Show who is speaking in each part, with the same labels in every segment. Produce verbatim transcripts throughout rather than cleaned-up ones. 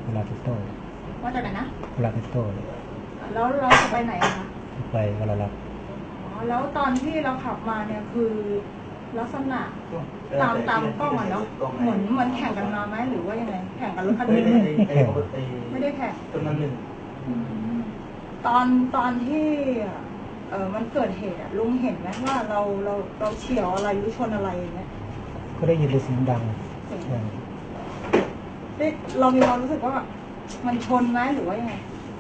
Speaker 1: ลาติโต้
Speaker 2: มาจากไหนนะ
Speaker 1: โคลาติโต้
Speaker 2: แล้วเราจะไปไหนอะคะ
Speaker 1: ไปวลาลัก
Speaker 2: อ๋อแล้วตอนที่เราขับมาเนี่ยคือลักษณะตามตามกล้องอะเนาะเหมือนมันแข่งกันมาไหมหรือว่ายังไงแข่งกันรถคันนี้ไม่ได้แข่ง
Speaker 3: จำนวนหนึ่ง
Speaker 2: ตอนตอนที่เออมันเกิดเหตุอะลุงเห็นไหมว่าเราเราเราเฉี่ยวอะไรหรือชนอะไรอย่างเงี้ย
Speaker 1: ก็ได้ยินเสียงดัง
Speaker 2: เรามีความรู้สึกว่ามันชนไหมหรือว่ายังไง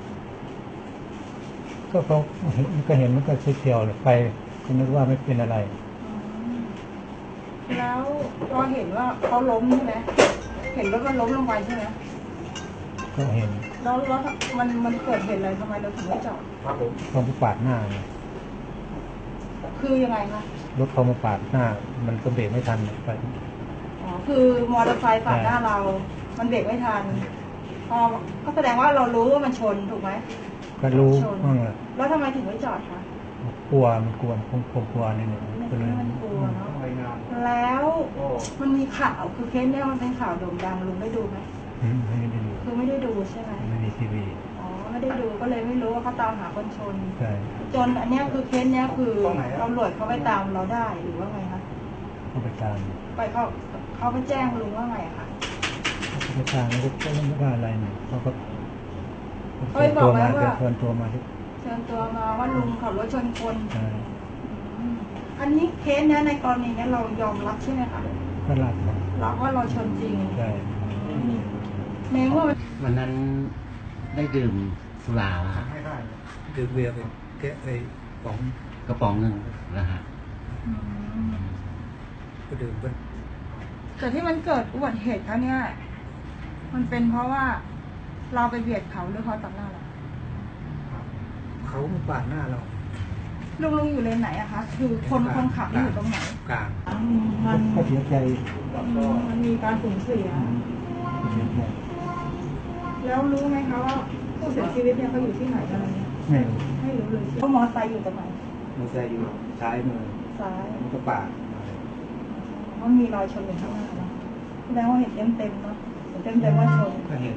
Speaker 1: ก็เขาก็เห็นมันก็เฉียวๆไปก็นึกว่าไม่เป็นอะไร
Speaker 2: แล้วพอเห็นว่าเขาล้มใช่ไหมเห็นว่ามันล้มลงไปใช่ไหม
Speaker 1: ก็เห็น
Speaker 2: แล้วแล้วมันมันเกิดเหตุอะไรทำไมเราถึงไม่จอด
Speaker 1: ครับผมเขามาปาดหน้า
Speaker 2: คือยังไงคะ
Speaker 1: รถเขามาปาดหน้ามันก็เบรกไม่ทันไป
Speaker 2: อ๋อคือมอเตอร์ไซค์ปาดหน้าเรามันเบรกไม่ทันพอก็แสดงว่าเรารู้ว่ามันชนถูกไหม
Speaker 1: ก็รู้
Speaker 2: แล้วทำไมถึงไม่จอดคะ
Speaker 1: กลัวมันกลัวคงคงกลัวนิดหนึ่ง
Speaker 2: ก็เลยมันกลัวเนาะแล้วมันมีข่าวคือเคสเนี้ยมันเป็นข่าวโด่งดังลุงได้ดูไหม
Speaker 1: ไม่ได้ดู
Speaker 2: คือไม่ได้ดูใช่ไหม
Speaker 1: ไม่มีทีวี
Speaker 2: อ๋อไม่ได้ดูก็เลยไม่รู้ว่าเขาตามหาคนชน
Speaker 1: ใช่
Speaker 2: จนอันเนี้ยคือเคสเนี้ยคือตำรวจเขาไปตามเราได้หรือว่าไงคะ
Speaker 1: เขาไปตาม
Speaker 2: ไปเขาเขาไปแจ้งลุงว่าไงคะ
Speaker 1: เขาไปตามแล้วก็ไม่ว่าอะไรเนี่ยเขาก็
Speaker 2: เขาไปบอกไหมว่า
Speaker 1: เชิญตัวมาที่
Speaker 2: เชิญตัวมาว่าลุงขับรถชนคนอันนี้เคสเนี้ยในกรณีเนี้ยเรายอมรับใช่ไหมคะ
Speaker 1: ก็รับ
Speaker 2: รับว่าเราชนจริง
Speaker 1: ใช่
Speaker 2: ในเมื่อ
Speaker 3: วันนั้นได้ดื่มสุราครับ
Speaker 1: ดื่มเบียร์ไปแกะไอ้ป๋อง
Speaker 3: กระป๋องหนึ่งนะฮะ
Speaker 1: ก็ดื่มไป
Speaker 2: แต่ที่มันเกิดอุบัติเหตุครั้งนี้มันเป็นเพราะว่าเราไปเบียดเขาหรือเขาตัดหน้าเรา
Speaker 1: เขามาปาดหน้าเรา
Speaker 2: ลุงลุงอยู่เลนไหนอะคะคือคนคนขับอยู่ตรงไหน
Speaker 1: กลาง
Speaker 2: มัน
Speaker 1: เขาเสียใจ
Speaker 2: มันมีการสูญเสียแล้วรู้ไหมคะว่าผู้เสียชีวิตเนี่ยเขาอยู่ที่ไหนอะไรเนี่ย
Speaker 1: ไม่
Speaker 2: ไม่รู้เลยเขามอไซค์อยู่ตรงไหน
Speaker 1: มอไซค์อยู่ซ้ายมือ
Speaker 2: ซ้าย
Speaker 1: มันก็ปาด
Speaker 2: มันมีรอยชนอยู่ข้างหน้าเนาะแสดงว่าเห็นเต็มเต็มเนาะเห็นเต็มเต็มว่าชน
Speaker 1: ก็เห็น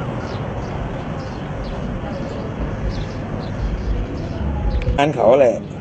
Speaker 4: อันเขาแหละ